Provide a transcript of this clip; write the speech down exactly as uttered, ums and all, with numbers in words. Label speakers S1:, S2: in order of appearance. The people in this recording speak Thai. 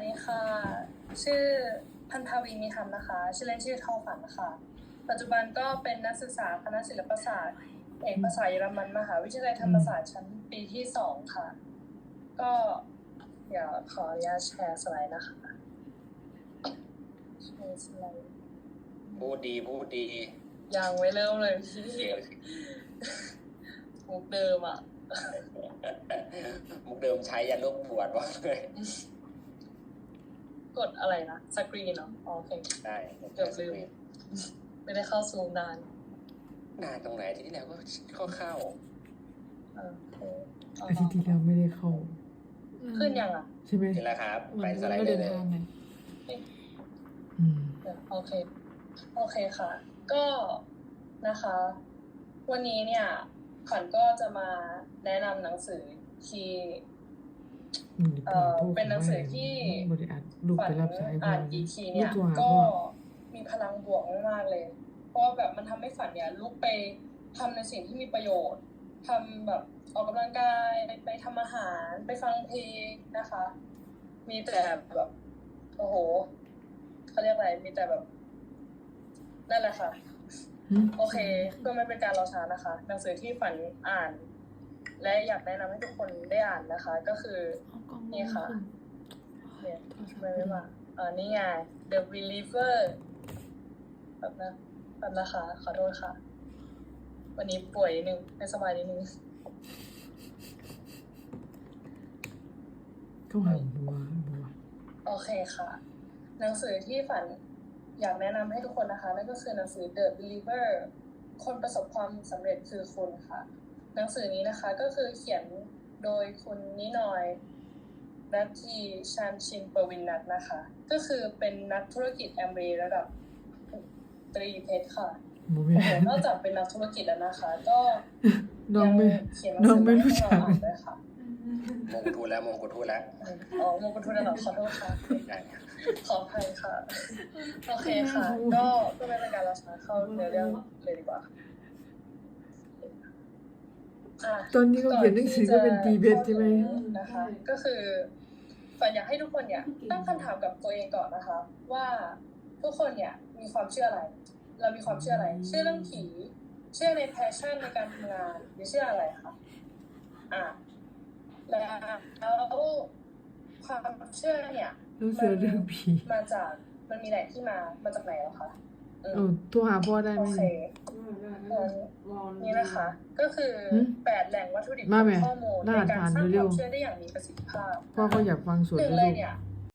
S1: สดีค่ะชื่อพันธวีมีธรรมนะคะชื่อเล่นชื่อทอฝันนะคะปัจจุบันก็เป็นนักศึกษาคณะศิลปศาสตร์เอกภาษาเยอรมันมหาวิทยาลัยธรรมศาสตร์ชั้นปีที่สองค่ะก็เดี๋ยวขออนุญาตแชร์สไลด์นะคะแชร์สไลด์
S2: พูดดีพูดดี
S1: ยังไม่เริ่มเลยพี่มุกเดิมอ่ะ
S2: มุกเดิมใช้ยันลูกบวชวะเลย
S1: กดอะไรนะสกรีนเนาะโอเค
S2: ได้
S1: เกือบลืมไม่ได้เข้าซูมนาน
S2: นานตรงไหนที่ที่แล้วก็เข้าเข้า
S3: อาทิตย์ที่แล้วไม่ได้เข้า
S1: ขึ้นยังอ่ะ
S3: ใช่ไหม
S2: นี่แหละครับไปสไลด์
S3: เลย
S2: เลย
S3: อืม
S1: โอเคโอเคค่ะ ก็นะคะ วันนี้เนี่ยขวัญก็จะมาแนะนำหนังสือที่เอ่อเป็นหนังสือที่ขวัญอ่านกี่ทีเนี่ยก็มีพลังบวกมากๆเลยเพราะแบบมันทำให้ฝันเนี่ยลุกไปทำในสิ่งที่มีประโยชน์ทำแบบออกกำลังกายไปทำอาหารไปฟังเพลงนะคะ มีแต่แบบโอ้โหเขาเรียกอะไรมีแต่แบบนั่นแหละค่ะโอเคเพื่อไม่เป็นการรอช้านะคะหนังสือที่ฝันอ่านและอยากแนะนำให้ทุกคนได้อ่านนะคะก็คือนี่ค่ะเนี่ยไม่ไม่มาอ่านี่ไง The Believer แบบนะแบบนะคะขอโทษค่ะวันนี้ป่วยนิดนึงไม่สบายนิดนึง
S3: ก็หาบัวบัว
S1: โอเคค่ะหนังสือที่ฝันอยากแนะนำให้ทุกคนนะคะนั่นก็คือหนังสือ The Believer คนประสบความสำเร็จคือคุณค่ะหนังสือนี้นะคะก็คือเขียนโดยคุณนินอยนัททีชานชินปวินนัทนะคะก็คือเป็นนักธุรกิจแอมเบย์ระดับตรีเพชรค่ะนอกจากเป็นนักธุรกิจแล้วนะคะก็ยังเขียนหนังสือให้เราอ่านด้วยค่ะ
S2: มงกุฎทูแล้วมงกุฎทูแล้ว
S1: อ๋อมงกุฎทูแล้วขอโทษค่ะขออภัยค่ะโอเคค่ะก็เพื่อไม่เป็นการรอช้าเข้าเนื้อเรื่องเลยดีกว่า
S3: ตอนนี้เขาเขียนหนังสือก็เป็นตีเบสใช่ไหม
S1: นะคะก็คือฝันอยากให้ทุกคนเนี่ยตั้งคำถามกับตัวเองก่อนนะคะว่าทุกคนเนี่ยมีความเชื่ออะไรเรามีความเชื่ออะไรเชื่อเรื่องผีเชื่อในแพชชั่นในการทำงานหรือเชื่ออะไรคะอ่ะแล้วความเชื่อเนี่ยมันมาจากมันมีแหล่งที่มามาจากไหนหรอคะ
S3: เออตัวหาพ่อได้ไหม
S1: โอเคนี่นะคะก็คือแปดแหล่งวัตถุดิบข้อมูลในการสร้างความเชื่อได้อย่างมีประสิทธิภาพ
S3: พ่อเขาอยากฟังสวด
S1: หนึ่งเลยเนี่ย